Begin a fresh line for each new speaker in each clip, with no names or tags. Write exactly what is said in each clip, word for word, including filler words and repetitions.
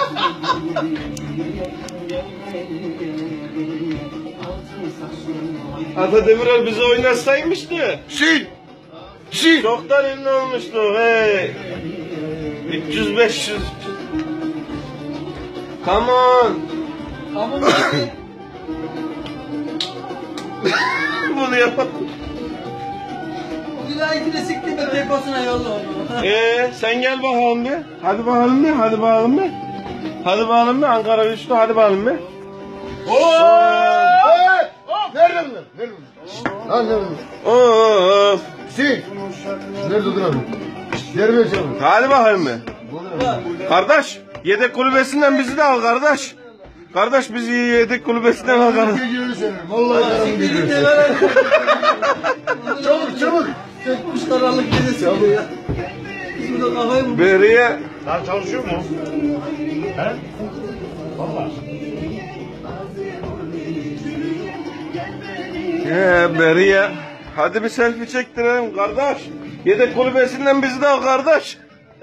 Ata Demirer bizi oynatsaymıştı.
Si. Si.
Çoktan ünlü olmuştu. Hey. üç yüz beş yüz. Come on.
Ama
Bunu yapalım.
Gülayetine siktir de deposuna yolla onu.
Ee, sen gel bakalım bir. Hadi bakalım bir. Hadi bakalım bir. Hadi bakalım bir. Ankara güçlü. Hadi bakalım bir.
Hey! Nerede bunlar? Nerede bunlar? Lan nerede bunlar?
Of.
Si. Nerede dur abi? Nerede çalın?
Hadi bakalım bir. Kardeş, yedek kulübesinden bizi de al kardeş. Kardeş bizi yedek kulübesinden al kardeş.
Geliyor senin. Vallahi canım geliyor. Çabuk çabuk.
Çekmiş karanlık gecesi gibi ya. Biz burada kafayı mı?
Beriye.
Daha çalışıyor mu? He? Valla.
Ee, Beriye. Hadi bir selfie çektirelim kardeş. Yedek kulübesinden bizi de al kardeş.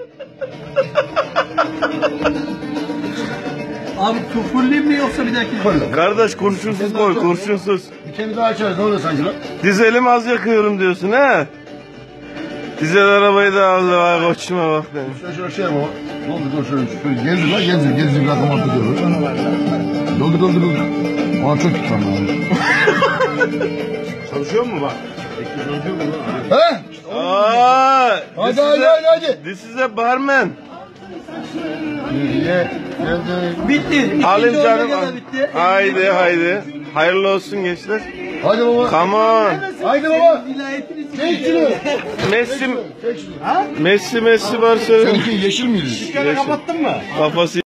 Abi küfürlüyüm mi yoksa bir dahaki?
Koy.
Kardeş kurşunsuz koy, kurşunsuz.
Bir kere daha açarız. Ne oluyor sanki lan?
Dizelim az yakıyorum diyorsun he? Dizel arabayı da aldı vay koçuma bak demiş.
Şöyle şöyle şey yapma. Ne oldu? Dur şöyle şöyle gezdir lan gezdir. Gezdir bir rakam atı diyor. Doldu doldu doldu. Aa çok tutam lan.
Çalışıyor mu bak? Peki çalışıyor mu lan?
He?
Aa,
Hadi
this
hadi
is a-
hadi hadi.
This is a barman.
Ye. Geldi.
Bitti. İkinci
Alayım canım.
oyuna da bitti.
Haydi haydi. Hayırlı olsun gençler.
Hadi baba.
Come on.
Haydi baba.
Vilayetini
Çek şunu.
Messi,
Çek şunu.
Messi, Messi Barcelona.
Seninki yeşil miydi?
Dükkanı kapattın mı?
Kafası